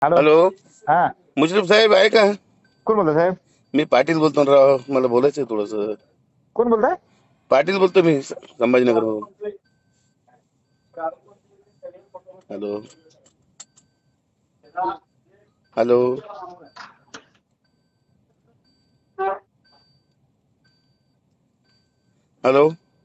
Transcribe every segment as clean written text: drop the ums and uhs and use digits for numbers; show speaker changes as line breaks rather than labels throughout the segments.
Hello.
Hello,
हा,
मुश्रीफ साहेब आहे का?
कोण बोलतोय साहेब?
मी पाटील बोलतो ना राव, मला बोलायचं थोडस.
कोण बोलताय?
पाटील बोलतो मी संभाजीनगर मधून. Hello hello hello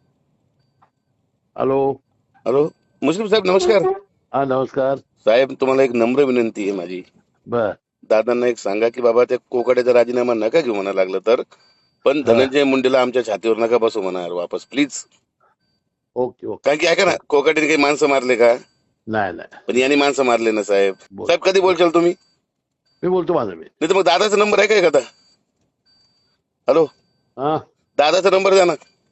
hello.
Hello Mushrif साहेब नमस्कार.
हा, नमस्कार.
साहेब तुम्हाला एक नम्र विनंती आहे माझी.
बर.
दादांना एक सांगा की बाबा त्या कोकाड्याचा राजीनामा नका घेऊ म्हणा लागलं तर, पण
हा.
धनंजय मुंडेला आमच्या छातीवर नका बसू म्हणा वापस प्लीज.
Okay okay.
कारण की ऐका ना, कोकाडीने काही माणसं मारले का?
नाही नाही,
पण यांनी माणसं मारले ना साहेब.
बोल
साहेब कधी
बोल.
बोलशाल तुम्ही?
मी बोलतो माझं मी.
नाही तर मग दादाचा नंबर आहे का एखादा? हॅलो,
हा.
दादाचा नंबर द्या ना.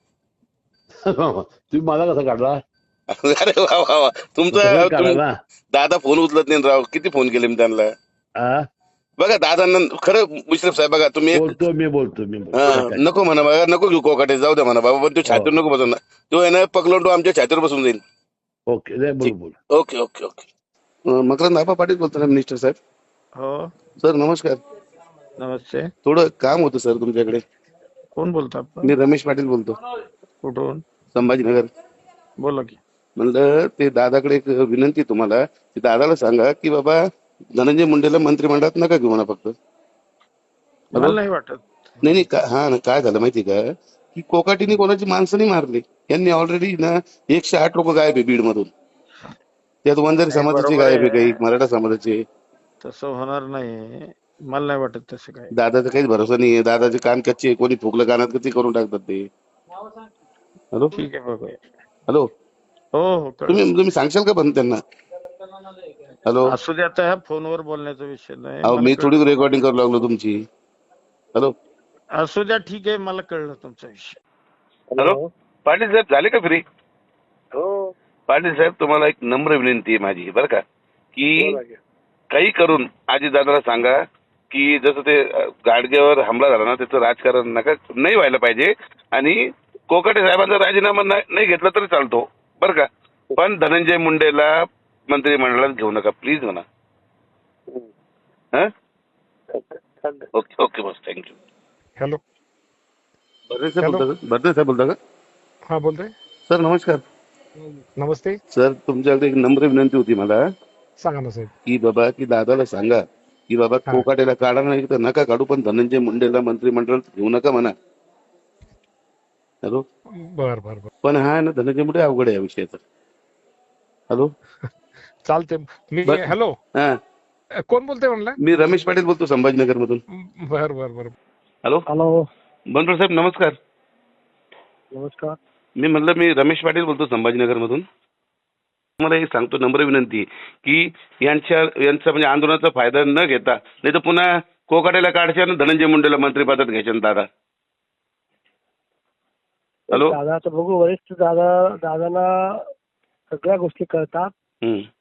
तुम्ही मला कसा काढला?
अरे वा वा वा,
तसंच काढा
तुम्ही
ना.
दादा फोन उचलत नाही राव, किती फोन केले मी त्यांना.
हा?
बघा दादांना खरं मुश्रीफ साहेब बघा तुम्ही एक
बोलतो. काय?
नको म्हणा बघा, नको घेऊ कोकाटे, जाऊ द्या म्हणा बाबा, पण तो
हो.
छातीवर नको बसून ना. तो आहे ना पकडून तो आमच्या छातीवर बसून जाईल.
ओके, दे बोल
ठीक.
बोल.
Okay okay okay. Makarand Aba Patil बोलतो ना, मिनिस्टर साहेब.
हो,
सर नमस्कार.
नमस्ते.
थोडं काम होतं सर तुमच्याकडे.
कोण बोलता आपण?
मी रमेश पाटील बोलतो,
कुठून?
संभाजीनगर.
बोला की.
म्हणलं ते दादाकडे एक विनंती आहे तुम्हाला, की दादाला सांगा की बाबा धनंजय मुंडेला मंत्रिमंडळात नका घेऊ म्हणा फक्त. हॅलो.
मला नाही वाटत.
नाही नाही हा ना, काय झालं माहिती का, की कोकाटीने कोणाची माणसं नाही मारली. यांनी ऑलरेडी ना 108 लोक गायब आहे बीड मधून. त्यात वंजारी
नाही,
समाजाचे
बरोबर
गायब आहे,
आहे.
काही मराठा समाजाचे.
तसं होणार नाही. मला नाही वाटत तसं काय.
दादाचा काहीच भरोसा नाहीये. दादाचे कान कच्चे आहे. कोणी फुकलं कानात कधी करून टाकतात ते. हॅलो
ठीक आहे, बघूया.
हॅलो.
हो हो, कळलं.
तुम्ही सांगशाल का पण त्यांना? हॅलो.
असू दे, आता ह्या फोनवर बोलण्याचा विषय नाही.
अहो
मला
मी थोडी
कळलं.
रेकॉर्डिंग करू लागलो तुमची. हॅलो
असू द्या, ठीक आहे, मला कळलं तुमचा विषय.
हॅलो. पाटील साहेब झाले का फ्री?
हो.
पाटील साहेब तुम्हाला एक नम्र विनंती आहे माझी बरं का, की काही करून आजी दादाला सांगा की जसं ते गाडगेवर हमला झाला ना, त्याचं राजकारण नका, नाही व्हायला पाहिजे. आणि कोकाटे साहेबांचा राजीनामा नाही घेतला तरी चालतो बरं का, पण धनंजय मुंडेला मंत्रिमंडळात घेऊ नका प्लीज म्हणा. ओके ओके बस, थँक्यू.
हॅलो.
भरणे साहेब बोलता का?
हा, बोलतोय.
सर नमस्कार.
नमस्ते.
सर तुमच्याकडे एक नम्र विनंती होती मला,
सांगा ना साहेब.
की बाबा की दादाला सांगा की बाबा
हा.
कोकाटेला काढा नाही तर नका काढू, पण धनंजय मुंडेला मंत्रिमंडळात घेऊ नका म्हणा. हॅलो.
बर बर बर.
पण हा ना धनंजय मुंडे अवघड आहे या विषयाचं. हॅलो.
चालते. मी हॅलो.
हा,
कोण बोलतोय म्हणला?
मी रमेश पाटील बोलतो संभाजीनगर मधून.
बर बर बर.
हॅलो.
हॅलो.
बनकर साहेब नमस्कार.
नमस्कार.
मी म्हणलं मी रमेश पाटील बोलतो संभाजीनगर मधून. मला हे सांगतो नम्र विनंती की यांचा म्हणजे आंदोलनाचा फायदा न घेता, नाही तर पुन्हा कोकाटेला काढच्या आणि धनंजय मुंडेला मंत्रिपदात घ्यायचे दादा. हॅलो.
दादा तर बघू, वरिष्ठ दादाला सगळ्या गोष्टी कळतात.